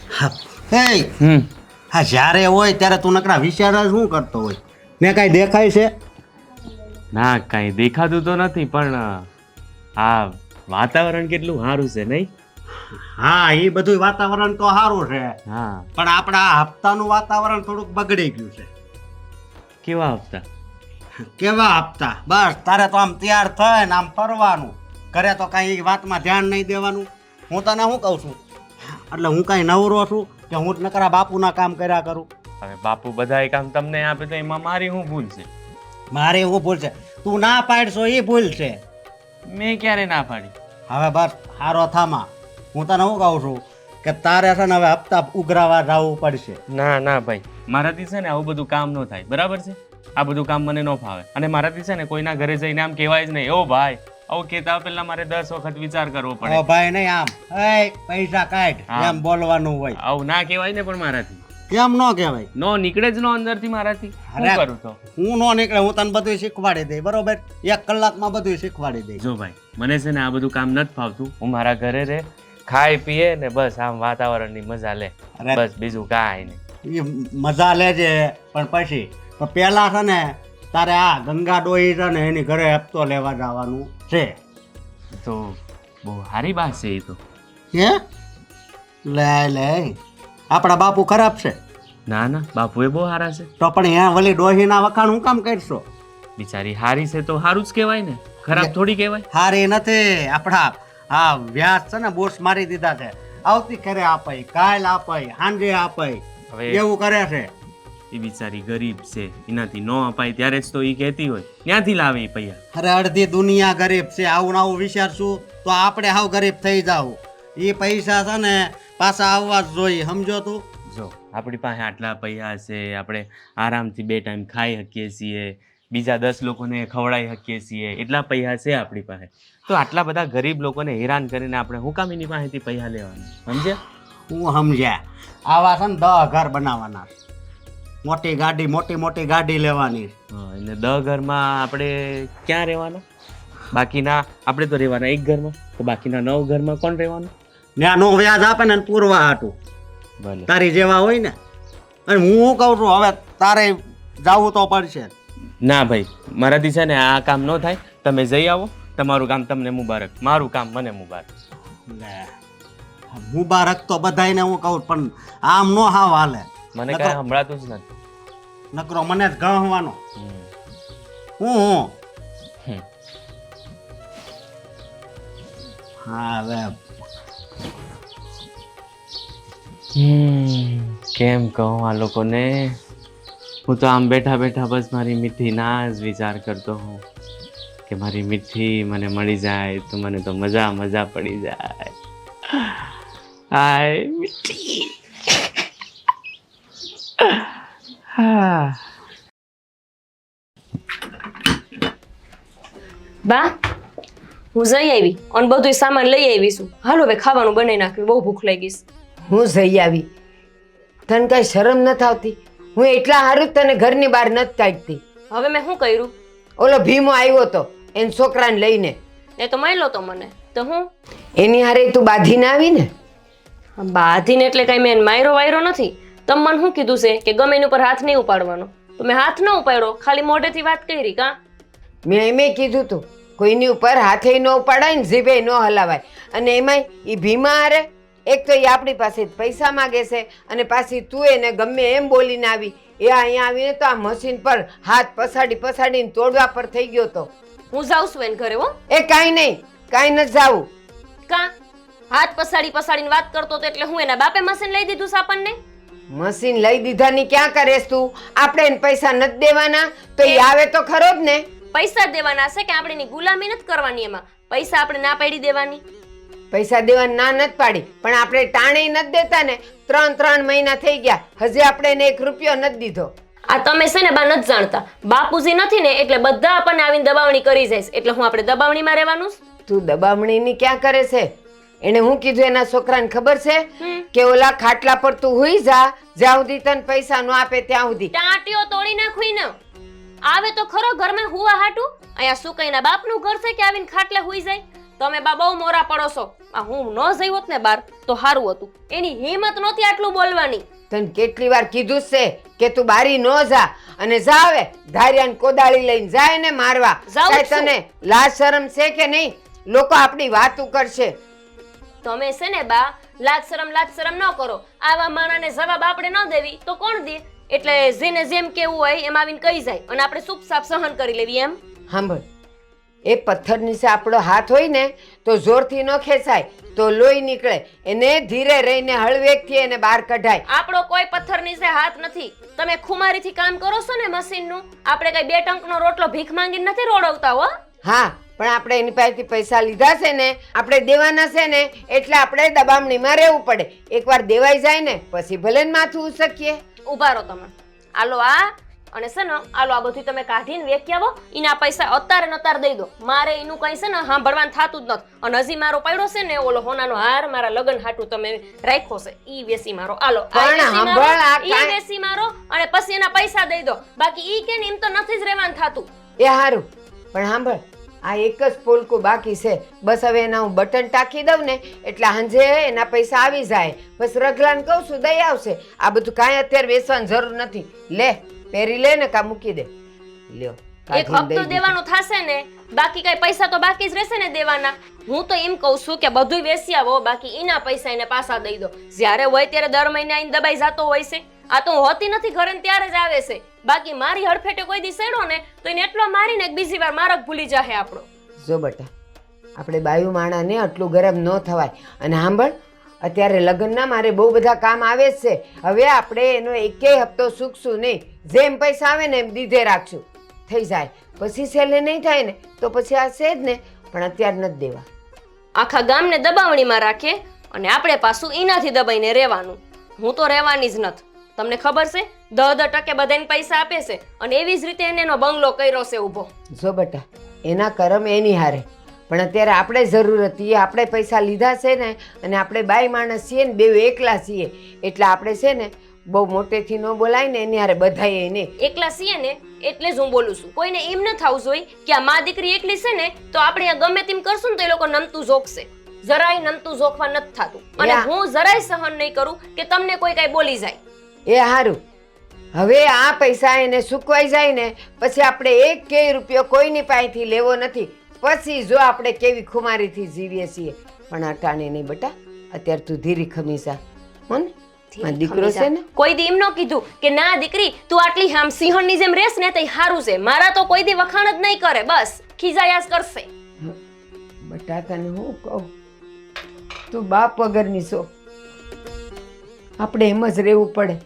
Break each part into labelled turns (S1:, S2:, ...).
S1: હા હા, જ્યારે હોય ત્યારે તું નકરા વિચાર જ શું કરતો હોય? ને કાંઈ દેખાય છે?
S2: ના કાંઈ દેખાતું તો નથી, પણ આ વાતાવરણ કેટલું સારું છે નહીં?
S1: હા, એ બધું વાતાવરણ તો સારું છે,
S2: હા.
S1: પણ આપણા આ હપ્તાનું વાતાવરણ થોડુંક બગડી ગયું છે.
S2: કેવા હપ્તા?
S1: કેવા હપ્તા? બસ તારે તો આમ તૈયાર થાય ને આમ ફરવાનું, ઘરે તો કાંઈ એ વાતમાં ધ્યાન નહીં દેવાનું. હું તને શું કહું છું, એટલે હું કાંઈ નવરો છું કે હું જ નકરા બાપુના કામ કર્યા કરું?
S2: હવે બાપુ બધાય કામ તમને આપે તો એમાં મારી શું ભૂલ છે?
S1: મારે એવું ભૂલ છે? તું ના પાડશો એ ભૂલ છે.
S2: મેં ક્યારે ના પાડી?
S1: હવે બસ હારો થામા. હું તને શું કહું છું કે તારે છે ને હવે હપ્તા ઉઘરાવા જવું પડશે.
S2: ના ના ભાઈ, મારાથી છે ને આવું બધું કામ ન થાય, બરાબર છે? આ બધું કામ મને ન ફાવે, અને મારાથી છે ને કોઈના ઘરે જઈને આમ કહેવાય જ નહીં, ઓ ભાઈ આવું કહેતા પહેલા મારે 10 વખત વિચાર કરવો પડે.
S1: ઓ ભાઈ નહીં, આમ એ પૈસા કાઢ
S2: હા.
S1: એમ બોલવાનું હોય.
S2: આવું ના કહેવાય ને, પણ મારાથી
S1: કેમ ન કહેવાય?
S2: નો નીકળે જ નો અંદરથી મારાથી. શું
S1: અરે.
S2: કરું તો?
S1: હું નો નીકળે, હું તને બધું શીખવાડી દઈ, બરોબર? 1 કલાકમાં બધું શીખવાડી દઈ.
S2: જો ભાઈ, મને છે ને આ બધું કામ નથી ફાવતું. હું મારા ઘરે રે, ખાઈ પીએ ને બસ આમ વાતાવરણની મજા લે,
S1: અરે.
S2: બસ બીજું કાંઈ નહીં.
S1: એ મજા લેજે, પણ પછી તો પહેલા છે ને તારે આ ગંગા ડોહી છે ને એની ઘરે હપ્તો લેવા જવાનું છે.
S2: તો બહુ સારી વાત છે એ તો.
S1: હે લે લે, આપણા બાપુ ખરાબ છે?
S2: ના ના, બાપુ એ બહુ સારા છે.
S1: તો પણ અહીંયા વળી ડોહીના વખાણ હું કામ કરશો?
S2: બિચારી હારી છે તો સારું જ કહેવાય ને, ખરાબ થોડી કહેવાય.
S1: હારી નથી. આપણા આ વ્યાજ છે ને બોસ મારી દીધા છે. આવતી ખરે આપાય, કાલ આપાય, સાંજે આપાય,
S2: હવે
S1: એવું કરે છે.
S2: એ બિચારી ગરીબ છે, એનાથી ન અપાય ત્યારે જ તો એ કહેતી હોય, ક્યાંથી લાવે એ પૈસા?
S1: અરે અડધી દુનિયા ગરીબ છે. આવું ને આવું વિચારશું તો આપણે હાવ ગરીબ થઈ જાવ. એ પૈસા છે ને પાછા આવવા જ જોઈએ, સમજો તું?
S2: જો આપણી પાસે આટલા પૈસા છે, આપણે આરામથી 2 ટાઈમ ખાઈ શકીએ છીએ, બીજા 10 લોકોને ખવડાવી શકીએ છીએ, એટલા પૈસા છે આપણી પાસે. તો આટલા બધા ગરીબ લોકોને હેરાન કરીને આપણે હું કામ એની પાસેથી પૈસા લેવાના? સમજ્યા?
S1: હું સમજ્યા. આવા છે ને 10 ઘર બનાવવાના, મોટી ગાડી, મોટી મોટી ગાડી લેવાની.
S2: હા, એટલે 10 ઘરમાં આપણે ક્યાં રહેવાના? બાકીના આપણે તો રહેવાના 1 ઘરમાં, તો બાકીના 9 ઘરમાં કોણ રહેવાનું?
S1: ન્યાનો વ્યાજ આપે ને પૂરવા હાટું
S2: ભલે.
S1: તારી જેવા હોય ને. અને હું શું કહું છું, હવે તારે જવું તો પડશે.
S2: ના ભાઈ, મારાથી છે ને આ કામ ન થાય. તમે જઈ આવો, તમારું કામ તમને મુબારક, મારું કામ મને મુબારક.
S1: લે, મુબારક તો બધાયને હું કહું, પણ આમ નો હાવ હાલે.
S2: મને કાંઈ સંભળાતું જ નથી.
S1: નકરો મને જ ગણવાનો.
S2: હમ.
S1: હું
S2: હમ.
S1: હા હવે
S2: કેમ કહું આ લોકોને? હું તો આમ બેઠા બેઠા બસ મારી મીઠી ના જ વિચાર કરતો હોઉં કે મારી મીઠી મને મળી જાય તો મને તો મજા મજા પડી જાય. હાય મીઠી. હા.
S3: બા, હું જઈ આવી અને બધું સામાન લઈ આવી છું. હાલો હવે ખાવાનું બનાવી નાખ્યું, બહુ ભૂખ લાગી છે.
S4: હું જઈ આવી, તને કઈ શરમ નથી આવતી? હું એટલા હારું જ તને ઘરની બહાર નથી કાઢતી.
S3: હવે મેં શું કર્યું?
S4: ઓલો ભીમો આવ્યો તો એન છોકરાને લઈને,
S3: એ તો માયલો તો મને તો હું
S4: એની હારે તું બાંધીને આવી ને.
S3: બાધીને એટલે કઈ મેં માયરો વાયરો નથી. તમે મને શું કીધું છે કે ગમે એની ઉપર હાથ નહીં ઉપાડવાનો, તો મેં હાથ ન ઉપાડ્યો, ખાલી મોઢેથી વાત કરી. કા
S4: મેં એમે કીધું તું કોઈની ઉપર હાથે ન ઉપાડાય ને જીભે ન હલાવાય. અને એમાંય એ ભીમા હારે એક તો એ આપણી પાસે પૈસા માગે છે, અને પાછી તું એને ગમે એમ બોલીને આવી. એ અહીંયા આવીને તો આ મશીન પર હાથ પસાડીને તોડવા પર થઈ ગયો તો.
S3: હું જાઉં છું એને ઘરે. હો
S4: એ કાંઈ નહીં, કાંઈ નથી જાવું.
S3: કા હાથ પસાડીને વાત કરતો તો એટલે હું એના બાપે મશીન લઈ દીધું છે આપણને?
S4: મશીન લઈ દીધાની ક્યાં કરેસ તું? આપણે એને પૈસા નથી દેવાના તો એ આવે તો ખરો જ ને.
S3: પૈસા દેવાના છે કે આપણે એની ગુલામી નથી કરવાની? એમાં પૈસા આપણે ના પાડી દેવાની.
S4: પૈસા દેવાની ના નથી પાડી, પણ આપણે ટાણે નથી દેતા ને. 3 મહિના થઈ ગયા, હજી આપણે એને 1 રૂપિયો નથી દીધો.
S3: આ તમે છે ને બા નથી જાણતા, બાપુજી નથી ને એટલે બધા આપણને આવીને દબાવણી કરી જાય છે. એટલે હું આપણે દબાવણીમાં રહેવાનું?
S4: તું દબામણીની ક્યાં કરે છે? એને હું કીધું એના છોકરાને ખબર છે કે ઓલા ખાટલા પર તું હુઈ જા, જ્યાં સુધી તને પૈસા ન આપે ત્યાં સુધી.
S3: ટાંટીઓ તોડી નાખવી ને આવે તો ખરો ઘરમાં હુવા હાટું. અહીંયા શું કઈના બાપનું ઘર છે કે આવીને ખાટલે હુઈ જાય? તમે બા બહુ મોરા પડો છો. આ હું ન જઈ હોત ને બાર તો સારું હતું. એની હિંમત નહોતી આટલું બોલવાની.
S4: તને કેટલી વાર કીધું જ છે કે તું બારી ન જા, અને જાવે ધારિયાને કોદાળી લઈને જાય ને મારવા.
S3: જાઉં જ
S4: કાંઈ
S3: છું.
S4: તને લાજ શરમ છે કે નહીં? લોકો આપણી વાતું કરશે.
S3: તમે છે ને બા લાજ શરમ ન કરો. આવા માણાને જવાબ આપણે ન દેવી તો કોણ દે? એટલે જેને જેમ કેવું હોય એમ આવીને કહી જાય અને આપણે ચૂપચાપ સહન કરી લેવી એમ.
S4: સાંભળ, એ પથ્થર નીચે આપણો હાથ હોય ને તો જોરથી ન ખેંચાય તો લોહી નીકળે. એને ધીરે રહીને હળવેકથી એને બહાર કઢાય.
S3: આપણો કોઈ પથ્થર નીચે હાથ નથી. તમે ખુમારીથી કામ કરો છો ને મશીનનું. આપણે કઈ 2 ટંકનો રોટલો ભીખ માંગીને નથી રોડવતા હો.
S4: હા, પણ આપણે એની પાસેથી પૈસા લીધા છે ને, આપણે દેવાના છે ને, એટલે આપણે દબામણીમાં રહેવું પડે. એકવાર દેવાઈ જાય ને પછી ભલે ને માથું ઉસકીએ.
S3: ઉભા રહો તમે. આલો આ અને છે ને આલો આ બધું તમે કાઢીને વેચી આવો. એના પૈસા અત્યારે ને અત્યારે દઈ દો. મારે એનું કઈ છે ને સાંભળવાનું થતું જ નથી. અને હજી મારો પડ્યો છે ને ઓલો હોનાનો હાર મારા લગ્ન હાટું તમે રાખ્યો છે, ઈ વેચી મારો. આલો આ
S4: પણ
S3: વેચી
S4: સાંભળ,
S3: મારો,
S4: આ
S3: ઈ
S4: કાંઈ-
S3: વેચી મારો અને પછી એના પૈસા દઈ દો. બાકી ઈ કે ને એમ તો નથી જ રહેવાનું થતું.
S4: એ હારું, પણ સાંભળ, આ એક જ પોલકું બાકી છે. બસ હવે એના હું બટન ટાંકી દઉં ને એટલે સાંજે એના પૈસા આવી જાય. બસ રગલાને કહું છું દઈ આવશે. આ બધું કાંઈ અત્યારે વેચવાની જરૂર નથી. લે, પહેરી લે ને કા મૂકી દે. લ્યો,
S3: એક
S4: કાઢીને દઈ
S3: હપ્તો
S4: દીધું.
S3: દેવાનો થશે ને, બાકી કઈ પૈસા તો બાકી જ રહેશે ને દેવાના. હું તો એમ કહું છું કે બધું વેચી આવો, બાકી એના પૈસા એને પાછા દઈ દો. જ્યારે હોય ત્યારે દર મહિને આઈને દબાઈ જતો હોય છે. આ તો હોતી નથી ઘરે ને ત્યારે જ આવે છે. બાકી મારી હડફેટે કોઈ દી સેડો ને તો એને એટલો મારીને બીજી વાર મારક ભૂલી જાહે આપણો.
S4: જો બટા, આપણે બાયુ માણાને આટલું ગરમ ન થવાય. અને સાંભળ, અત્યારે લગ્નના મારે બહુ બધા કામ આવે જ છે. હવે આપણે એનો એકેય હપ્તો ચૂકશું નહીં. જેમ પૈસા આવે ને એમ દીધે રાખશું. થઈ જાય પછી છેલ્લે નહીં થાય ને તો પછી આ છે જ ને, પણ અત્યારે નથી દેવા.
S3: આખા ગામને દબાવણીમાં રાખે અને આપણે પાછું એનાથી દબાઈને રહેવાનું. હું તો રહેવાની જ નથી. તમને ખબર છે 10% બધાને પૈસા આપે છે અને એવી જ રીતે એને એનો બંગલો કર્યો છે ઊભો.
S4: જો બટા, એના કરમ એની હારે, પણ અત્યારે આપણે જરૂર હતી. આપણે પૈસા લીધા છે ને, અને આપણે બાઈ માણસ છીએ ને, બેવ એકલા છીએ, એટલે આપણે છે ને બહુ મોટેથી ન બોલાય ને એની હારે બધાય એને.
S3: એકલા છીએ ને એટલે જ હું બોલું છું. કોઈને એમ ન થવું જોઈએ કે આ મા દીકરી એકલી છે ને તો આપણે આ ગમે તેમ કરશું ને તો એ લોકો નમતું જોખશે. જરાય નમતું જોખવા નથી થતું. અને
S4: યા.
S3: હું જરાય સહન નહીં કરું કે તમને કોઈ કઈ બોલી જાય.
S4: એ હારું, હવે આ પૈસા એને સૂકવાઈ જાય ને પછી આપણે એક કે રૂપિયો કોઈની પાસેથી લેવો નથી. પછી જો આપણે કેવી ખુમારીથી જીવીએ છીએ. પણ અટાણે નહીં બટા, અત્યારે તું ધીરી ખમી જા. હો ને, મારો દીકરો છે ને.
S3: કોઈ દી એમ ન કીધું કે ના દીકરી તું આટલી આમ સિંહણની જેમ રહેશ ને તો સારું છે. મારા તો કોઈ દી વખાણ જ નહીં કરે. બસ ખીજાયાસ કરશે.
S4: બટા તને હું કહું, તું બાપ વગરની છો. આપણે એમ જ રહેવું પડે.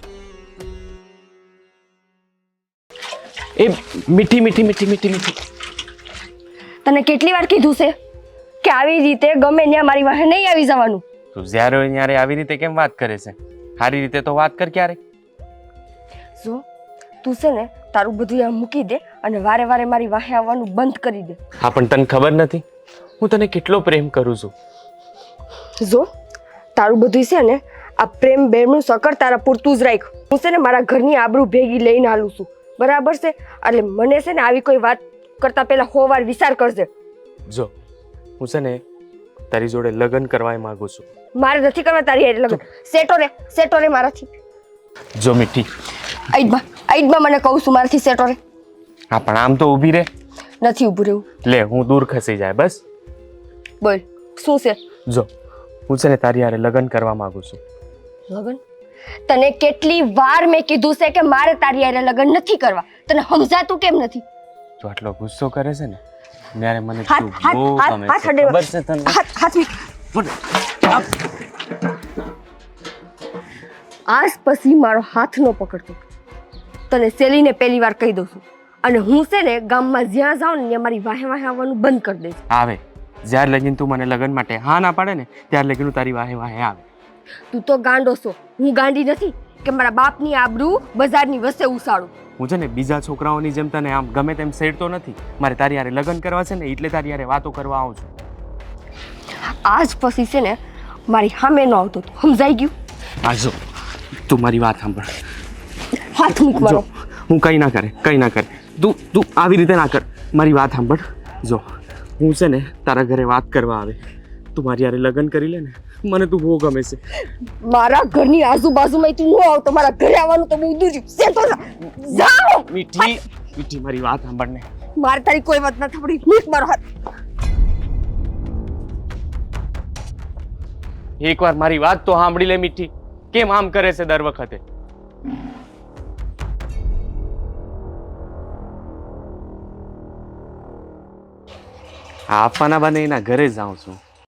S2: એ મીઠી મીઠી મીઠી મીઠી મીઠી
S5: તને કેટલી વાર કીધું છે કે આવી રીતે ગમે ત્યાં મારી વાહે નહીં આવી જવાનું.
S2: તું જ્યારે હોય ત્યારે આવી રીતે કેમ વાત કરે છે? સારી રીતે તો વાત કર ક્યારે.
S5: જો તું છે ને તારું બધું આમ મૂકી દે અને વારે વારે મારી વાહે આવવાનું બંધ કરી દે.
S2: હા, પણ તને ખબર નથી હું તને કેટલો પ્રેમ કરું છું.
S5: જો તારું બધું છે ને આ પ્રેમ બેમનું સકર તારા પૂરતું જ રાખ. હું છે ને મારા ઘરની આબરૂ ભેગી લઈને હાલું છું, બરાબર છે? એટલે મને છે ને આવી કોઈ વાત કરતા પહેલા 100 વાર વિચાર કરજે.
S2: જો હું છે ને તારી જોડે લગ્ન કરવા માંગુ છું.
S5: મારે નથી કરવા તારી હારે લગ્ન. સેટો રે મારાથી.
S2: જો મીઠી,
S5: આઈડમાં મને કહું છું મારાથી સેટો રે.
S2: હા પણ આમ તો ઊભી રહે.
S5: નથી ઊભું રહેવું.
S2: લે હું દૂર ખસી જાય બસ.
S5: બોલ શું છે?
S2: જો હું છે ને તારી હારે લગ્ન કરવા માંગુ છું.
S5: લગ્ન? તને કેટલી વાર મેં કીધું છે કે મારે તારી હારે લગ્ન નથી કરવા. તને સમજાતું કેમ નથી?
S2: તું આટલો ગુસ્સો કરે છે ને ત્યારે મને
S5: હાથ
S2: તું
S5: હાથ
S2: બહુ
S5: હાથ
S2: ગમે
S5: હાથ
S2: છે.
S5: અડે.
S2: ખબર છે તને?
S5: હાથ આજ પછી મારો હાથ ન પકડતો. તને સેલીને પહેલી વાર કહી દઉં છું. અને હું છે ને ગામમાં જ્યાં જાઉં ને ત્યાં મારી વાહે વાહે આવવાનું બંધ કરી દઈશ.
S2: આવે જ્યારે લગીન તું મને લગ્ન માટે હા ના પાડે ને ત્યારે લગીન હું તારી વાહે વાહે આવે.
S5: તું તો ગાંડો છો, હું ગાંડી નથી કે મારા બાપની આબરૂ બજારની વચ્ચે ઉસાડું.
S2: હું છે ને બીજા છોકરાઓની જેમ તને આમ ગમે તેમ સેડતો નથી. મારે તારી હારે લગ્ન કરવા છે ને એટલે તારી હારે વાતો કરવા આવું છું.
S5: આજ પછી છે ને મારી સામે ન આવતો. સમજાઈ ગયું?
S2: આ જો તું મારી વાત સાંભળ.
S5: હાથ મૂક મારો.
S2: જો હું કંઈ ના કરે તું આવી રીતે ના કર. મારી વાત સાંભળ. જો હું છે ને તારા ઘરે વાત કરવા આવે, તું મારી યારે લગ્ન કરી લે ને, મને તું બહુ ગમે છે.
S5: મારા ઘરની આજુબાજુમાં તું ન આવતો, મારા ઘરે આવવાનું તો બહુ દૂર છે. સેટો જાઓ.
S2: મીઠી મીઠી મારી વાત સાંભળ ને.
S5: મારે તારી કોઈ વાત નથી સાંભળી. મૂક મારો હાથ.
S2: એકવાર મારી વાત તો સાંભળી લે મીઠી. કેમ આમ કરે છે દર વખતે? આપવાના બને એના ઘરે જાઉં છું.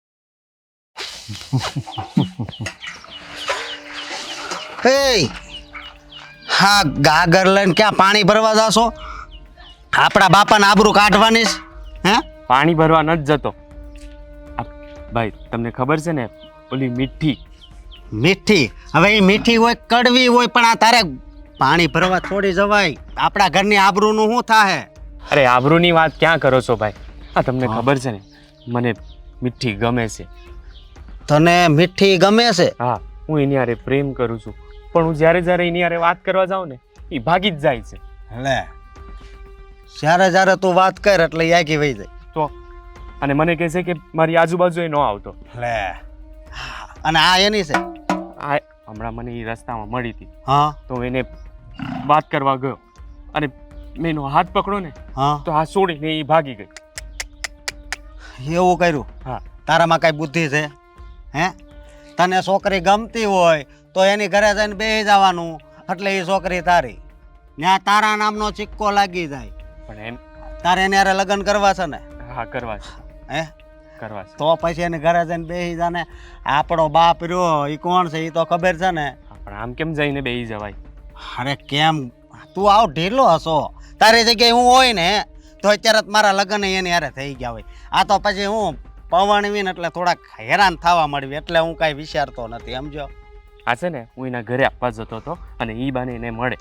S1: હે હા, ગાગર લઈને ક્યાં પાણી ભરવા જાશો? આપણા બાપાને આબરૂ કાઢવાની છે? હે
S2: પાણી ભરવા નથી જતો. ભાઈ તમને ખબર છે ને ઓલી મીઠી
S1: મીઠી, હવે એ મીઠી હોય કડવી હોય, પણ આ તારે પાણી ભરવા છોડી જવાય? આપણા ઘરની આબરૂનું શું થાહે?
S2: અરે આબરૂની વાત ક્યાં કરો છો ભાઈ? આ તમને ખબર છે ને મને મીઠી ગમે છે.
S1: તને મીઠી ગમે છે?
S2: હા, હું એની હારે પ્રેમ કરું છું, પણ હું જ્યારે જ્યારે એની હારે વાત કરવા જાઉં ને એ ભાગી જ જાય છે.
S1: લે, જ્યારે જ્યારે તું વાત કર એટલે એ આગી વહી જાય.
S2: તો અને મને કહે છે કે મારી આજુબાજુ એ ન આવતો.
S1: લે, અને આ એની છે?
S2: આ હમણાં મને એ રસ્તામાં મળી હતી,
S1: હા
S2: તો એને વાત કરવા ગયો અને મેં એનો હાથ પકડો ને
S1: હા,
S2: તો હાથ છોડીને એ ભાગી ગઈ.
S1: એવું કર્યું?
S2: હા.
S1: તારામાં કઈ બુદ્ધિ છે? હે, તને છોકરી ગમતી હોય તો એની ઘરે જઈને બેસી જવાનું, એટલે એ છોકરી તારી. ત્યાં તારા નામનો સિક્કો લાગી જાય.
S2: પણ એમ
S1: તારે એને હારે લગ્ન કરવા છે ને?
S2: હા કરવા છે,
S1: હે,
S2: કરવા છે.
S1: તો પછી એને ઘરે જઈને બેસી જાને. આપણો બાપ રહ્યો એ કોણ છે એ તો ખબર છે ને?
S2: હા, પણ આમ કેમ જઈને બેસી જવાય?
S1: અરે કેમ, તું આવ ઢીલો હશો. તારી જગ્યાએ હું હોય ને તો અત્યારે જ મારા લગ્ન એની હારે થઈ ગયા હોય. આ તો પછી હું પવણવીને એટલે થોડાક હેરાન થવા મળવી, એટલે હું કાંઈ વિચારતો નથી, સમજો?
S2: આ છે ને હું એના ઘરે આપવા જતો હતો અને એ બાને એને મળે.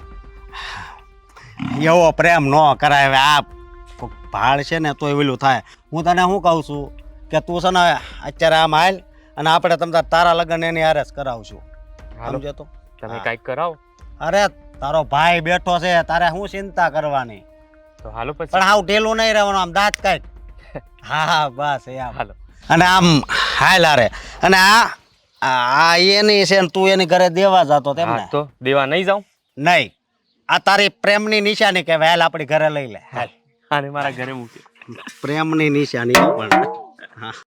S1: એવો પ્રેમ ન કરાય. હવે આ ભાળ છે ને તો એવેલું થાય. હું તને શું કહું છું કે તું છે ને અત્યારે આમ હાલ, અને આપણે તમને તારા લગ્ન એની હારે જ કરાવશું,
S2: હાલો
S1: સમજો? તો
S2: તમે કાંઈક કરાવો.
S1: અરે તારો ભાઈ બેઠો છે, તારે શું ચિંતા કરવાની?
S2: તો હાલો પછી.
S1: પણ આવું ઢીલું નહીં રહેવાનું, આમ દાંત કાઢ. હા હા, બસ એમ.
S2: હાલો.
S1: અને આમ હાલ હારે. અને આ એની છે ને તું એની ઘરે દેવા જતો તેમ ને?
S2: હા, તો દેવા નહીં જાઉં?
S1: નહીં, આ તારી પ્રેમની નિશાની કહેવાય. હાલ આપણી ઘરે લઈ લે. હાલ,
S2: આને મારા ઘરે મૂકી.
S1: પ્રેમની નિશાની પણ. હા.